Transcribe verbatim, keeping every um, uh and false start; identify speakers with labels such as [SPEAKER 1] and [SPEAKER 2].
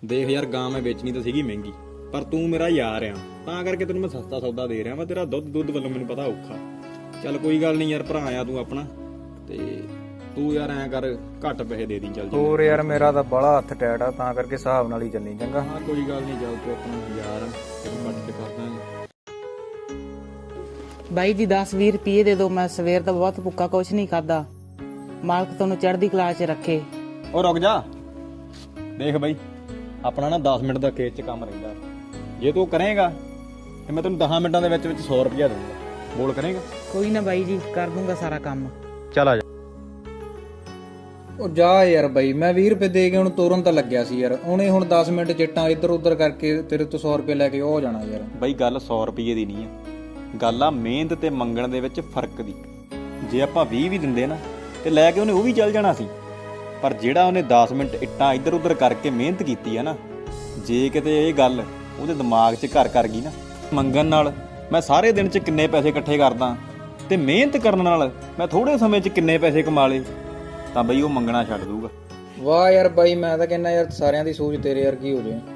[SPEAKER 1] ਦੇਖ ਯਾਰ ਗਾਂ ਮੈਂ ਵੇਚਣੀ ਤਾਂ ਸੀਗੀ ਮਹਿੰਗੀ, ਪਰ ਤੂੰ ਮੇਰਾ ਯਾਰ ਆ ਤਾਂ ਕਰਕੇ ਤੈਨੂੰ ਮੈਂ ਸਸਤਾ ਸੌਦਾ ਦੇ ਰਿਹਾ ਵਾ। ਤੇਰਾ ਦੁੱਧ ਦੁੱਧ ਵੱਲੋਂ ਮੈਨੂੰ ਪਤਾ ਔਖਾ। ਚੱਲ ਕੋਈ ਗੱਲ ਨਹੀਂ ਯਾਰ, ਭਰਾ ਆ ਤੂੰ ਆਪਣਾ, ਤੇ ਤੂੰ ਯਾਰ ਐਂ ਕਰ ਘੱਟ ਪੈਸੇ ਦੇ ਦੀ। ਚੱਲ
[SPEAKER 2] ਹੋਰ ਯਾਰ ਮੇਰਾ ਤਾਂ ਬੜਾ ਹੱਥ ਟੈਟ ਆ, ਤਾਂ ਕਰਕੇ ਹਿਸਾਬ ਨਾਲ ਹੀ ਚੱਲੀ ਚੰਗਾ।
[SPEAKER 1] ਹਾਂ ਕੋਈ ਗੱਲ ਨਹੀਂ, ਚੱਲ ਤੂੰ ਆਪਣਾ ਯਾਰ ਤੈਨੂੰ ਕੱਟ ਕੇ ਕਰ ਦਾਂਗੇ।
[SPEAKER 3] ਬਾਈ ਜੀ ਦਸ ਵੀਹ ਰੁਪਏ ਦੇ ਦਿਓ, ਮੈਂ ਸਵੇਰ ਦਾ ਬਹੁਤ ਭੁੱਖਾ, ਕੁਛ ਨਹੀਂ ਖਾਦਾ। ਮਾਲਕ ਤੁਹਾਨੂੰ ਚੜ੍ਹਦੀ ਕਲਾ 'ਚ ਰੱਖੇ।
[SPEAKER 1] ਉਹ ਰੁਕ ਜਾ, ਦੇਖ ਬਾਈ ਆਪਣਾ ਨਾ ਦਸ ਮਿੰਟ ਦਾ ਖੇਤ 'ਚ ਕੰਮ ਰਹਿੰਦਾ। ਜੇ ਤੂੰ ਕਰੇਗਾ ਤੇ ਮੈਂ ਤੈਨੂੰ ਦਸ ਮਿੰਟਾਂ ਦੇ ਵਿੱਚ ਵਿੱਚ ਸੌ ਰੁਪਇਆ ਦਊਂਗਾ। ਬੋਲ ਕਰੇਗਾ?
[SPEAKER 3] ਕੋਈ ਨਾ ਬਾਈ ਜੀ, ਕਰ ਦੂੰਗਾ ਸਾਰਾ ਕੰਮ।
[SPEAKER 1] ਚੱਲ ਆ ਜਾ।
[SPEAKER 2] ਉਹ ਜਾ ਯਾਰ ਬਾਈ, ਮੈਂ ਵੀਹ ਰੁਪਏ ਦੇ ਕੇ ਹੁਣ ਤੋਰਨ ਤਾਂ ਲੱਗਿਆ ਸੀ ਯਾਰ। ਉਹਨੇ ਹੁਣ ਦਸ ਮਿੰਟ ਚਿੱਟਾਂ ਇੱਧਰ ਉੱਧਰ ਕਰਕੇ ਤੇਰੇ ਤੋਂ ਸੌ ਰੁਪਏ ਲੈ ਕੇ ਉਹ ਜਾਣਾ ਯਾਰ।
[SPEAKER 1] ਬਾਈ ਗੱਲ ਸੌ ਰੁਪਏ ਦੀ ਨਹੀਂ ਆ, ਗੱਲ ਆ ਮਿਹਨਤ ਤੇ ਮੰਗਣ ਦੇ ਵਿੱਚ ਫਰਕ ਦੀ। ਜੇ ਆਪਾਂ ਵੀਹ ਵੀ ਦਿੰਦੇ ਨਾ ਤੇ ਲੈ ਕੇ ਉਹਨੇ ਉਹ ਵੀ ਚੱਲ ਜਾਣਾ ਸੀ, ਪਰ ਜਿਹੜਾ ਉਹਨੇ ਦਸ ਮਿੰਟ ਇੱਟਾਂ ਇੱਧਰ ਉੱਧਰ ਕਰਕੇ ਮਿਹਨਤ ਕੀਤੀ ਆ ਨਾ, ਜੇ ਕਿਤੇ ਇਹ ਗੱਲ ਉਹਦੇ ਦਿਮਾਗ 'ਚ ਘਰ ਕਰ ਗਈ ਨਾ, ਮੰਗਣ ਨਾਲ ਮੈਂ ਸਾਰੇ ਦਿਨ 'ਚ ਕਿੰਨੇ ਪੈਸੇ ਇਕੱਠੇ ਕਰਦਾ ਤੇ ਮਿਹਨਤ ਕਰਨ ਨਾਲ ਮੈਂ ਥੋੜੇ ਸਮੇਂ 'ਚ ਕਿੰਨੇ ਪੈਸੇ ਕਮਾ ਲਏ, ਤਾਂ ਬਈ ਉਹ ਮੰਗਣਾ ਛੱਡ ਦੂਗਾ।
[SPEAKER 2] ਵਾਹ ਯਾਰ ਬਾਈ, ਮੈਂ ਤਾਂ ਕਹਿੰਦਾ ਯਾਰ ਸਾਰਿਆਂ ਦੀ ਸੋਚ ਤੇਰੇ ਵਰਗੀ ਹੋ ਜਾਏ।